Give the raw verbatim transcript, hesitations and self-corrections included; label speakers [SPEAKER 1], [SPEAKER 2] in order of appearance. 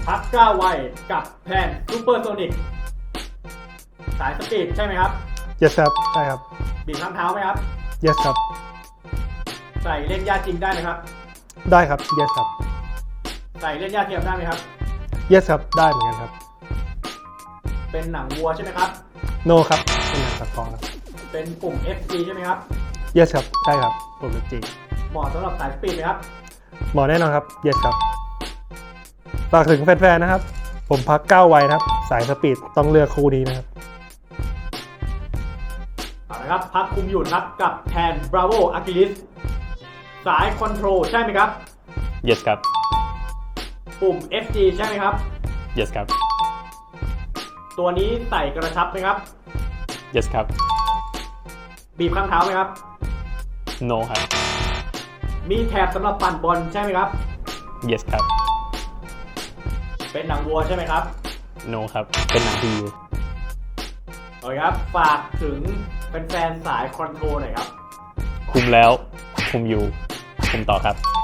[SPEAKER 1] พักก้าวไวกับแพนซูเปอร์โซนิกสายสปีดใช่ไหมครับ
[SPEAKER 2] yes ครับใช่ครับ
[SPEAKER 1] บีบข้างเท้าไหมครับ
[SPEAKER 2] yes ครับ
[SPEAKER 1] ใส่เล่นหญ้าจริงได้ไหมครับ
[SPEAKER 2] ได้ครับ yes ครับ
[SPEAKER 1] ใส่เล่นหญ้าเทียมได้ไหมครับ
[SPEAKER 2] yes ครับได้เหมือนกันครับ
[SPEAKER 1] เป็นหนังวัวใช่ไหมครับ
[SPEAKER 2] no ครับเป็นหนังตะกอครับ
[SPEAKER 1] เป็นปุ่ม เอฟ ซี ใช่ไหมครับ
[SPEAKER 2] yes ครับใช่ครับผมเป็นจริง
[SPEAKER 1] เหมาะสำหรับสายสปีดไหมครับ
[SPEAKER 2] หมอแน่นอนครับ yes ครับฝากถึงแฟนๆนะครับผมพักก้าวไวนะครับสายสปีดต้องเลือกคู่นี้นะครับ
[SPEAKER 1] เอาละครับพักคุมอยู่ครับกับแทนบราโวอากิลิสสายคอนโทรลใช่ไหมครับ
[SPEAKER 3] yes ครับ
[SPEAKER 1] ปุ่ม เอฟ ซี ใช่ไหมครับ
[SPEAKER 3] yes ครับ
[SPEAKER 1] ตัวนี้ใส่กระชับไหมครับ
[SPEAKER 3] yes ครับ
[SPEAKER 1] บีบข้างเท้าไหมครับ
[SPEAKER 3] no ครับ
[SPEAKER 1] มีแถบสำหรับปั่นบอลใช่ไหมครับ
[SPEAKER 3] yes ครับ
[SPEAKER 1] เป็นหนังวัวใช่ไหมครับ
[SPEAKER 3] no ครับเป็นหนังพี
[SPEAKER 1] โอเคครับฝากถึงแฟนๆสายคอนโทรลหน่อยครับ
[SPEAKER 3] คุมแล้วคุมอยู่คุมต่อครับ